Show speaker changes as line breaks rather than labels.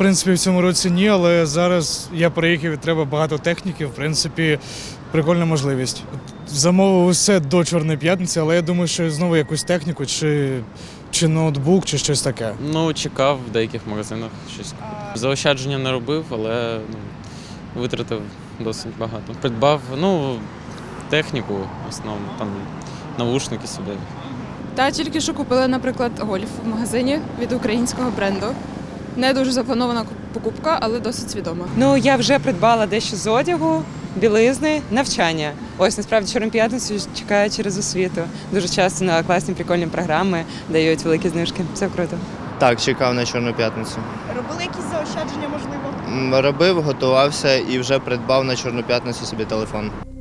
принципі, в цьому році ні, але зараз я приїхав і треба багато техніки, в принципі, прикольна можливість. Замовив усе до Чорної п'ятниці, але я думаю, що знову якусь техніку, чи ноутбук, чи щось таке.
Ну, чекав в деяких магазинах щось. Заощадження не робив, але витратив досить багато. Придбав, техніку основну, там навушники собі.
Та тільки що купила, наприклад, гольф в магазині від українського бренду. Не дуже запланована покупка, але досить свідома.
Ну, я вже придбала дещо з одягу, білизни, навчання. Ось, насправді, Чорну п'ятницю чекаю через освіту. Дуже часто на класні прикольні програми дають великі знижки. Все круто.
Так, чекав на Чорну п'ятницю.
Робили якісь заощадження, можливо?
Робив, готувався і вже придбав на Чорну п'ятницю собі телефон.